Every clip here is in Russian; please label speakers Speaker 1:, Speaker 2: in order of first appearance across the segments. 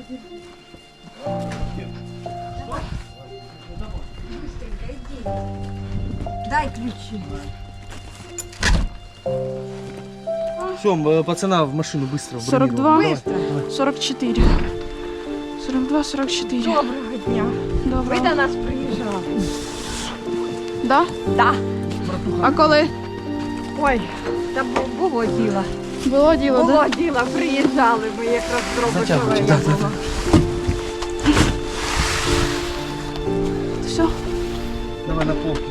Speaker 1: Дай ключи.
Speaker 2: Все, пацана в машину быстро.
Speaker 3: 42, 44. 42, 44.
Speaker 1: Доброго дня. Ви
Speaker 3: Доброго.
Speaker 1: до нас приїжджали.
Speaker 3: Да?
Speaker 1: Да.
Speaker 3: А коли?
Speaker 1: Ой, та було діло.
Speaker 3: Було діло, да?
Speaker 1: Було діло, приїжджали ми якраз
Speaker 2: Затягуйте,
Speaker 1: зробили.
Speaker 2: да.
Speaker 3: Все?
Speaker 2: Давай на полку.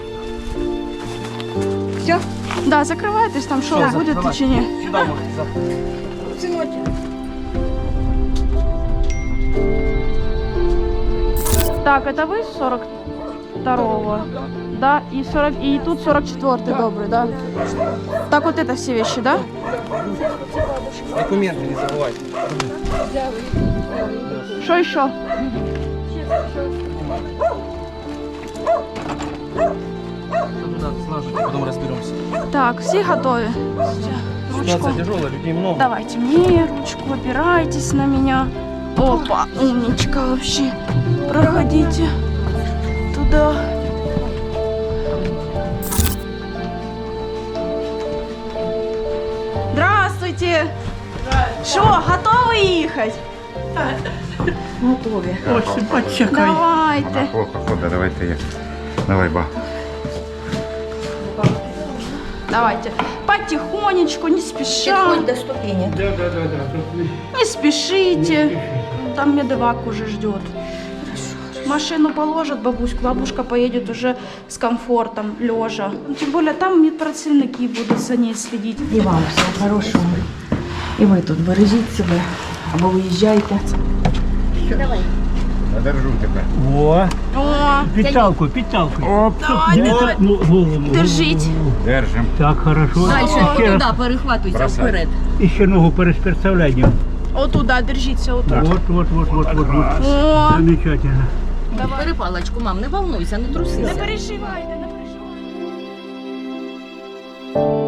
Speaker 1: Все,
Speaker 3: Да, закривайтесь, там шоу
Speaker 2: Всё,
Speaker 3: буде
Speaker 2: закривай.
Speaker 3: чи ні?
Speaker 2: Сюда можете завтра.
Speaker 1: синочок.
Speaker 3: Так, это вы с 42-го? Да, и 40, и тут 44-й, добрый, да? Так вот это все вещи, да?
Speaker 2: Документы не забывайте.
Speaker 3: Что еще?
Speaker 2: Туда слаживайте, потом разберемся.
Speaker 3: Так, все готовы? Ручку.
Speaker 2: Ситуация тяжелая, людей много.
Speaker 3: Давайте мне ручку, опирайтесь на меня. Опа, умничка вообще. Проходите туда. Здравствуйте. Что, готовы ехать?
Speaker 1: Готові.
Speaker 3: Давайте.
Speaker 4: Плохо ходить, давайте я. Давай, ба.
Speaker 3: Давайте. Потихонечку, не спеша.
Speaker 1: Підходь до ступені.
Speaker 3: Не спешите. Там медвак уже ждет. Машину положат бабуську, бабушка поедет уже с комфортом, лежа. Тем более там медпрацівники будут за ней следить.
Speaker 1: І вам всього хорошого. І ви тут бережіть себе, або виїжджайте.
Speaker 4: Я держу тебе.
Speaker 5: Во,
Speaker 3: О,
Speaker 5: підталку. Оп,
Speaker 3: давай.
Speaker 5: голову.
Speaker 3: держите.
Speaker 4: Держим.
Speaker 5: Так, хорошо. Ще раз.
Speaker 1: перехватуйся
Speaker 4: Бросай.
Speaker 5: І ще ногу переставляємо.
Speaker 3: Вот туда, держите, вот тут.
Speaker 5: Вот.
Speaker 3: О,
Speaker 5: Замечательно.
Speaker 6: Бери паличку, мам, не волнуйся, не трусися.
Speaker 3: не переживайте, не переживайте.